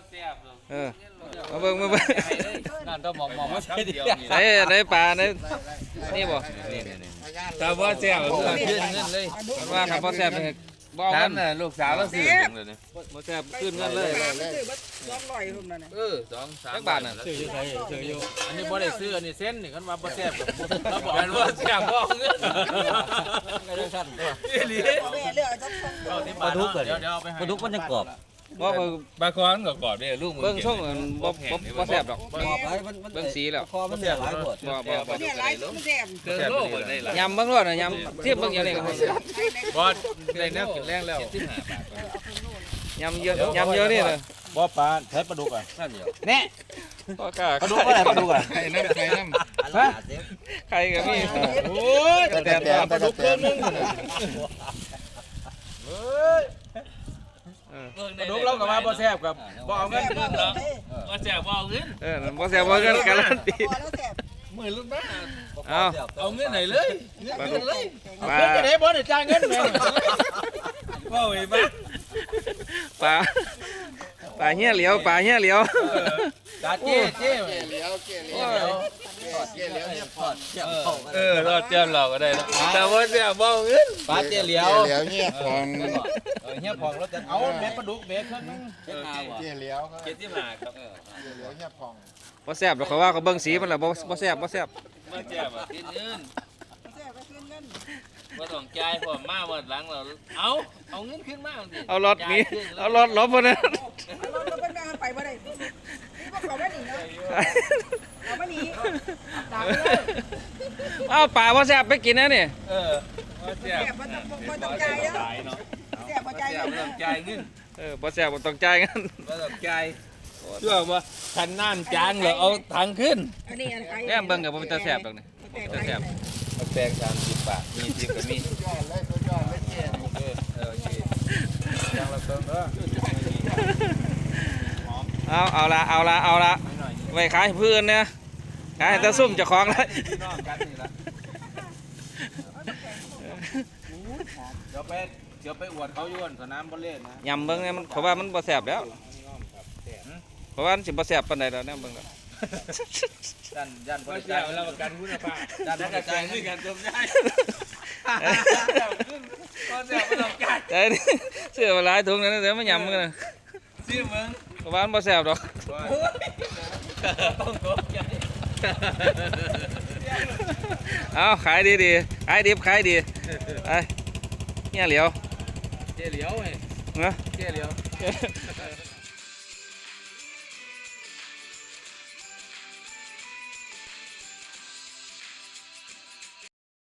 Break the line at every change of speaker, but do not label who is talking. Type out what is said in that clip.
มาเบิ่ง
นั่นต้องมองว่าใช่เดียว
ได้ปลานี่บ่
แต่ว่าแซ่บขึ้นเงินเลย
ว่าครับบ่แซ่บบ่เอา
ถา
เงิ
ม
น
น่ะลูกสาวเราซื้อจังเลย
บ่แซ่บขึ้นเงินเลย
200พุ่นน่ะ
จักบาทน่ะ
ซื้ออยู่ไสซื้ออยู่อันนี้บ่ได้ซื้ออันนี้เส้นนี่คันว่าบ่แซ่บเราบอกกันว่าแซ่บบ่เอาเงินก็ได้สั่นตัวอีหลีปลาดุกเดี๋ยวเอาไปให้ปลาดุกมันยังกรอบ
บ่
ปลาคอนก็กรอบเด้ลูกมึง
เบิ่งช่องบ่แซ่บดอกเบิ่งสีแล้ว
คอมันเนี่ยหลายขวด
บ่
เนี่ยหลายมันแซ่บ
เกินโลกได้ล่ะ
ยำเบิ่งรอดน่ะยำเทียบเบิ่งอย่างนี้ก็
บ่ได้แนวกินแรงแล้ว
ยำเยอะนี่เลย
บ่ปลาใช้ปลาดุกอ่ะ
นั่นเดียว
แน่
ก็กล้า
ปลาดุกอะไรปลาดุกอ่ะ
ไอ้น้ำไข่น้ำ
ฮะ
ใครก็มี
โอ้ยแต่ปลาดุกเครื่องนึงเฮ้ยปลาดุกเรากับว่าบ่แซ่บกับบ่เอาเงินคืนเนาะบ่แซ่บบ่เอาเงิน
บ่แซ่บบ่กันการันตี
พอแล้วแซ่บ
มือรุ่นบ้า
เอา
เงินไหนเลยเงินเลย
ปลา
เงินจะได้บ่ได้จ่ายเงินแม่ว่าไว้บ้า
ปลาเหี้ยเหลียวปลาเหี้ยเหลียว
ตาเจ๊เจ๊
เลี้ยวเนี่ยพอด
รอดเจ้าเราก็ได้แล้วแต่ว่าแซ่บบ่เอาเงินปลาเจ๊เหลียว
เลี้ยวเนี่ยพอง
เฮียพองเราจะเอาเม็ดปลาดุกเม็ดเครื่องนึง
เลี้ยวครับ
75ครับ
เลี้ยวเนี่ยพอง
บ่แซ่บดอกเขาว่าเขาเบิ่งสีมันล่ะบ่แซ่บ
บ่แซ่บอ่ะกินเงิน
แซ่บไปคืนเงิน
บ่ต้องจ่ายพร้อมมาวันหลังเราเอาเงินขึ้นมาสิ
เอารถนี้เอารถลบบ่นะ
เราเป็นแม่ไปบ่ได้นี่พวกเขาไม่หนีเนาะเอาไม่หนีตามไปเลย
เอาปลาบ่แซ่บไปกินนะนี่
บ่แซ่
แซ่
บบ
มันต้องใจเนาะแซ่บบ่ใจ
บ่ต้องจ่ายเงิน
บ่แซ่บบ่ต้องจ่ายกัน
บ่ต้องจ่ายเชื่อว่าคันน้ำจางแล้วเอาถังขึ้น
อันนี้อะไร
แม่เบิ่งก็บ่เป็นตาแซ่บดอกนี่ตาแซ่บ
เอาแปลง30 บาทมี10ก็มี
ยอดเลยเจ๊
โอเคจางละเบิ่งเด้อ
เอาละไว้ขายให้ผู้อื่นเนี่ยขายให้ตาซุ่มเจ้าของแล้ว
พี่น้องกันนี่ล่ะเดี๋ยวไปอวดเขาอยู่สนามบอลเล่นนะ
ยำเบิ่งเนี่ยมันเพราะว่ามันบ่แซ่บแล้วเพราะว่ามันสิบ่แซ่บปานใดแล้วเนี่ยเบิ่งแล้ว
ยันบริการเราประกันคุณภาพยันบริการด้วยกันจมได้ก็เสียไม่ต้องการ
แต่นี่เสื้อมาหลายถุงนั่นเดี๋ยวมันยำกันนะ
ซื้อมึง
เพราะว่ามันบ่แซ่บดอก
ต้องตกใจ
เอาขายดีขายดิบขายดีไปเนี่ยเหลียว
เจ๊เหลียวไง
นะ
เจ๊เหลียว